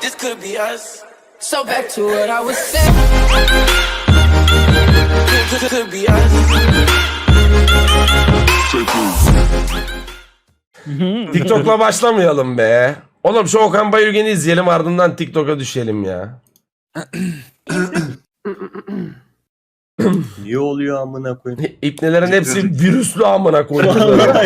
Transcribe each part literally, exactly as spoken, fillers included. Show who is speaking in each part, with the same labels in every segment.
Speaker 1: this could be us. So back to what I was saying. Could, could be us.
Speaker 2: TikTok'la başlamayalım be. Oğlum şu Okan Bayülgen'i izleyelim, ardından TikTok'a düşelim ya.
Speaker 3: Niye oluyor amına koyayım?
Speaker 2: İpnelerin hepsi virüslü amına koyayım.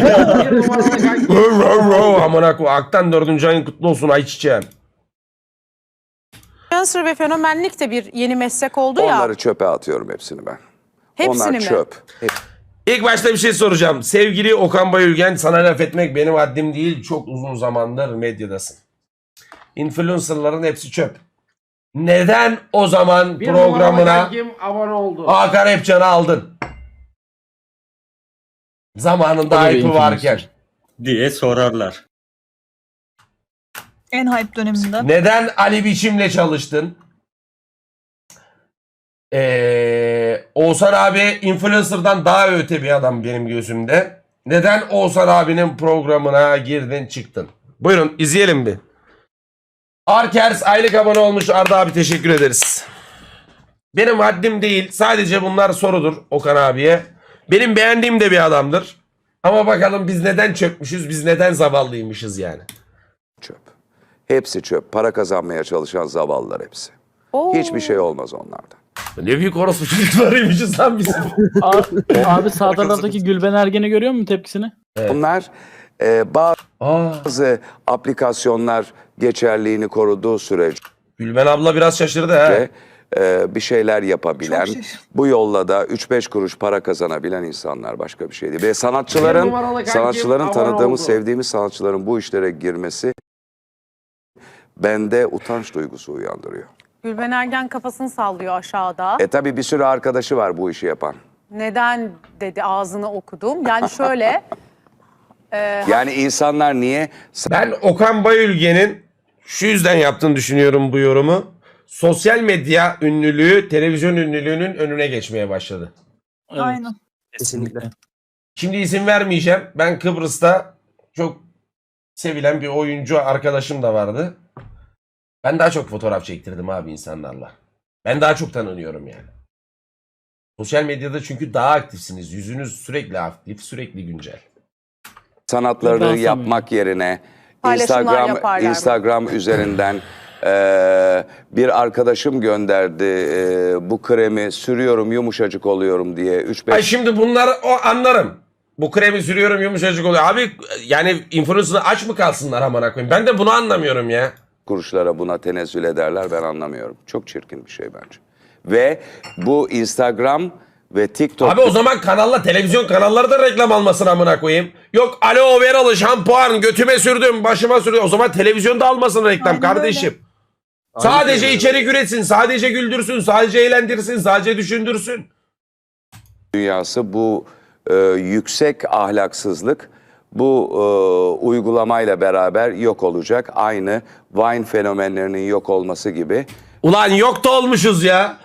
Speaker 2: Amına koyayım. Aktan dördüncü ayın kutlu olsun ayçiçeğim.
Speaker 4: Influencer ve fenomenlik de bir yeni meslek oldu ya.
Speaker 5: Onları çöpe atıyorum hepsini ben.
Speaker 4: Hepsini
Speaker 5: Onlar
Speaker 4: mi?
Speaker 5: çöp.
Speaker 2: İlk başta bir şey soracağım. Sevgili Okan Bayülgen, sana laf etmek benim haddim değil. Çok uzun zamandır medyadasın. Influencerların hepsi çöp. Neden o zaman
Speaker 6: Bir
Speaker 2: programına
Speaker 6: kim abone oldu?
Speaker 2: Hakan Epcan'ı aldın? Zamanında hype'ı varken.
Speaker 3: diye sorarlar.
Speaker 7: En hype döneminde.
Speaker 2: Neden Ali Biçim'le çalıştın? Ee, Oğuzhan abi influencer'dan daha öte bir adam benim gözümde. Neden Oğuzhan abinin programına girdin çıktın? Buyurun izleyelim bir. Arkers aylık abone olmuş. Arda abi teşekkür ederiz. Benim haddim değil. Sadece bunlar sorudur Okan abiye. Benim beğendiğim de bir adamdır. Ama bakalım biz neden çökmüşüz? Biz neden zavallıymışız yani?
Speaker 5: Çöp. Hepsi çöp. Para kazanmaya çalışan zavallılar hepsi.
Speaker 4: Oo.
Speaker 5: Hiçbir şey olmaz onlardan.
Speaker 2: Ne büyük orospu çocuklarıymışız lan biz.
Speaker 8: Abi, abi sağ taraftaki Gülben Ergen'i görüyor musun tepkisini?
Speaker 2: Evet.
Speaker 5: Bunlar e,
Speaker 2: Aa,
Speaker 5: bazı aplikasyonlar geçerliğini koruduğu sürece
Speaker 2: Gülben abla biraz şaşırdı ha.
Speaker 5: e, bir şeyler yapabilen,
Speaker 7: Çok şaşırdım.
Speaker 5: bu yolla da üç beş kuruş para kazanabilen insanlar, başka bir şey değil. Ve
Speaker 6: Bir
Speaker 5: sanatçıların,
Speaker 6: numaralı kankim
Speaker 5: sanatçıların
Speaker 6: abone
Speaker 5: tanıdığımız,
Speaker 6: oldu.
Speaker 5: sevdiğimiz sanatçıların bu işlere girmesi bende utanç duygusu uyandırıyor.
Speaker 4: Gülben Ergen kafasını sallıyor aşağıda.
Speaker 5: E tabii bir sürü arkadaşı var bu işi yapan.
Speaker 4: Neden dedi, ağzını okudum. Yani şöyle. e,
Speaker 5: Yani insanlar niye
Speaker 2: Ben Okan Bayülgen'in şu yüzden yaptığını düşünüyorum bu yorumu. Sosyal medya ünlülüğü televizyon ünlülüğünün önüne geçmeye başladı.
Speaker 8: Evet,
Speaker 7: Aynen.
Speaker 8: kesinlikle.
Speaker 2: Şimdi isim vermeyeceğim. Ben Kıbrıs'ta çok sevilen bir oyuncu arkadaşım da vardı. Ben daha çok fotoğraf çektirdim abi insanlarla. Ben daha çok tanınıyorum yani. Sosyal medyada çünkü daha aktifsiniz. Yüzünüz sürekli aktif, sürekli güncel.
Speaker 5: sanatlarını
Speaker 8: Ben
Speaker 5: yapmak yerine
Speaker 4: Paylaşımlar
Speaker 5: Instagram
Speaker 4: yaparlar.
Speaker 5: Instagram üzerinden eee, bir arkadaşım gönderdi eee, bu kremi sürüyorum yumuşacık oluyorum diye üç
Speaker 2: Ay
Speaker 5: beş
Speaker 2: şimdi bunlar o anlarım. Bu kremi sürüyorum yumuşacık oluyor. Abi yani influencer'ı aç mı kalsınlar amına koyayım? Ben de bunu anlamıyorum ya.
Speaker 5: kuruşlara buna tenezzül ederler, ben anlamıyorum. Çok çirkin bir şey bence. Ve bu Instagram ve TikTok
Speaker 2: Abi o zaman kanalla televizyon kanalları da reklam almasın amına koyayım. Yok aloe veralı şampuan götüme sürdüm başıma sürdüm. O zaman televizyonda almasın reklam
Speaker 7: Aynen
Speaker 2: kardeşim. Sadece içerik üretsin, sadece güldürsün, sadece eğlendirsin, sadece düşündürsün.
Speaker 5: dünyası bu e, yüksek ahlaksızlık bu e, uygulamayla beraber yok olacak. Aynı Vine fenomenlerinin yok olması gibi.
Speaker 2: Ulan yok da olmuşuz ya.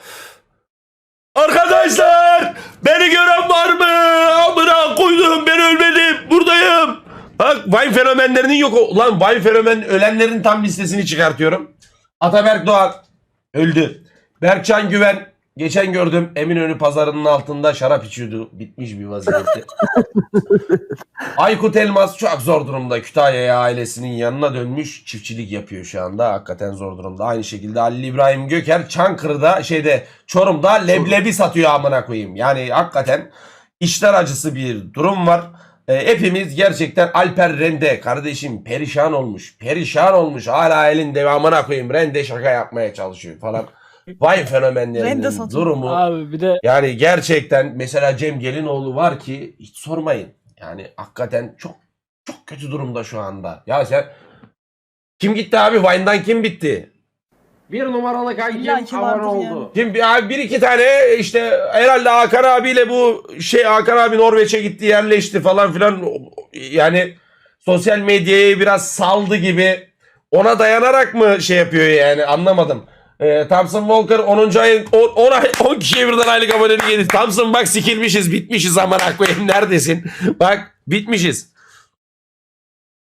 Speaker 2: Arkadaşlar beni gören var mı? Amına koydum ben ölmedim buradayım. Bak Vine fenomenlerinin yok. Ulan Vine fenomen ölenlerin tam listesini çıkartıyorum. Ataberk Doğan öldü. Berkcan Güven geçen gördüm Eminönü pazarının altında şarap içiyordu. Bitmiş bir vaziyette. Aykut Elmas çok zor durumda. Kütahya'ya ailesinin yanına dönmüş. Çiftçilik yapıyor şu anda. Hakikaten zor durumda. Aynı şekilde Ali İbrahim Göker Çankırı'da şeyde Çorum'da leblebi satıyor amına koyayım. Yani hakikaten işler acısı bir durum var. E, hepimiz gerçekten Alper Rende kardeşim perişan olmuş. Perişan olmuş. Hala elinde amına koyayım. Rende şaka yapmaya çalışıyor falan. Vay fenomenlerinin
Speaker 7: Rende satıyor.
Speaker 2: durumu.
Speaker 8: Abi bir de
Speaker 2: Yani gerçekten mesela Cem Gelinoğlu var ki hiç sormayın. Yani hakikaten çok çok kötü durumda şu anda. Ya sen kim gitti abi? Vine'dan kim bitti?
Speaker 6: Bir numaralı
Speaker 7: İlla
Speaker 6: kankim
Speaker 7: ki
Speaker 6: abone
Speaker 7: vardır
Speaker 6: oldu.
Speaker 7: yani.
Speaker 2: Kim bir, abi bir iki tane işte herhalde Hakan abiyle bu şey Hakan abi Norveç'e gitti yerleşti falan filan. Yani sosyal medyayı biraz saldı gibi. Ona dayanarak mı şey yapıyor yani anlamadım. Ee, Thompson Walker onuncu ayın on, ay, on kişiye birden aylık abonelik yedi. Thompson bak sikilmişiz bitmişiz aman koyayım neredesin? Bak bitmişiz.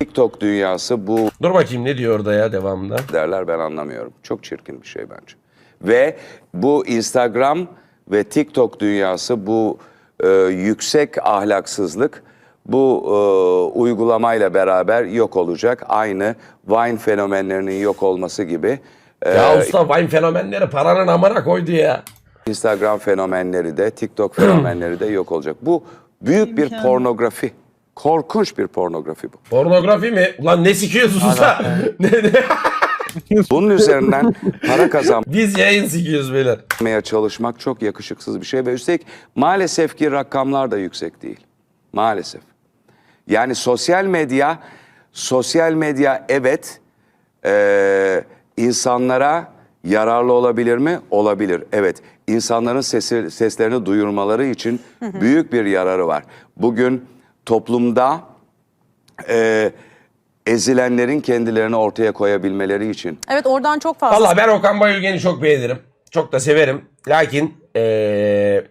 Speaker 5: TikTok dünyası bu
Speaker 2: Dur bakayım ne diyor orada ya devamında.
Speaker 5: derler, ben anlamıyorum. Çok çirkin bir şey bence. Ve bu Instagram ve TikTok dünyası bu e, yüksek ahlaksızlık bu e, uygulamayla beraber yok olacak. Aynı Vine fenomenlerinin yok olması gibi. E,
Speaker 2: Ya usta Vine fenomenleri paranın amına koydu ya.
Speaker 5: Instagram fenomenleri de TikTok fenomenleri de yok olacak. Bu büyük bir pornografi. Korkunç bir pornografi bu.
Speaker 2: Pornografi mi? Ulan ne sikiyorsun usta? Ne- ne-
Speaker 5: Bunun üzerinden para kazanmaya
Speaker 2: Biz yayın sikiyoruz beyler.
Speaker 5: çalışmak çok yakışıksız bir şey ve üstelik maalesef ki rakamlar da yüksek değil. Maalesef. Yani sosyal medya, sosyal medya evet eee, insanlara yararlı olabilir mi? Olabilir. Evet. İnsanların sesi, seslerini duyurmaları için büyük bir yararı var. Bugün toplumda eee, ezilenlerin kendilerini ortaya koyabilmeleri için
Speaker 4: Evet, oradan çok fazla.
Speaker 2: Valla ben Okan Bayülgen'i çok beğenirim. Çok da severim. Lakin eee,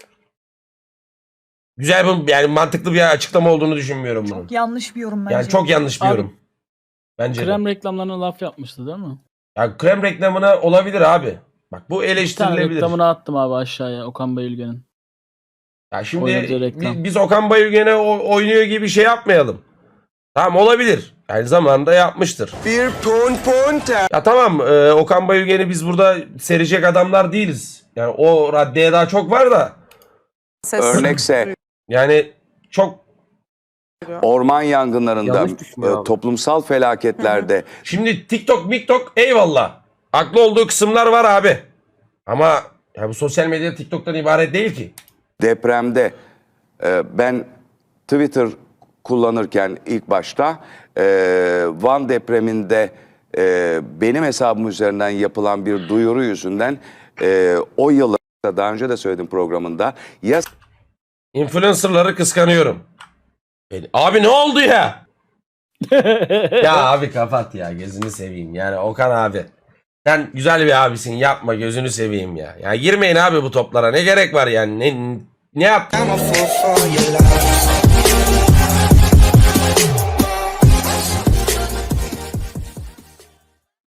Speaker 2: güzel bir yani mantıklı bir açıklama olduğunu düşünmüyorum bunun.
Speaker 7: Çok yanlış bir yorum bence.
Speaker 2: Yani çok yanlış bir
Speaker 8: Abi,
Speaker 2: yorum. Bence de.
Speaker 8: Krem reklamlarına laf yapmıştı değil mi?
Speaker 2: Ya krem reklamına olabilir abi. Bak bu
Speaker 8: Bir tane
Speaker 2: eleştirilebilir.
Speaker 8: reklamını attım abi aşağıya Okan Bayülgen'in.
Speaker 2: Ya şimdi
Speaker 8: Oynadığı reklam.
Speaker 2: bi- biz Okan Bayülgen'e o- oynuyor gibi şey yapmayalım. Tamam olabilir. Yani zamanında yapmıştır.
Speaker 9: Bir pon ponte.
Speaker 2: Ya tamam e, Okan Bayülgen'i biz burada serecek adamlar değiliz. Yani o raddeye daha çok var da.
Speaker 4: ses.
Speaker 5: örnekse
Speaker 2: Yani çok
Speaker 5: orman yangınlarında,
Speaker 6: Yanlış düşünüyor
Speaker 5: e,
Speaker 6: abi.
Speaker 5: toplumsal felaketlerde
Speaker 2: şimdi TikTok, miktok eyvallah. Haklı olduğu kısımlar var abi. Ama ya bu sosyal medya TikTok'tan ibaret değil ki.
Speaker 5: depremde e, ben Twitter kullanırken ilk başta e, Van depreminde e, benim hesabım üzerinden yapılan bir duyuru yüzünden e, o yıllarda daha önce de söyledim programında ya
Speaker 2: Influencer'ları kıskanıyorum. Beni- Abi ne oldu ya? Ya abi kapat ya gözünü seveyim. Yani Okan abi. Sen güzel bir abisin yapma gözünü seveyim ya. Ya girmeyin abi bu toplara ne gerek var yani ne ne yaptın?
Speaker 9: I'm a fool for your love.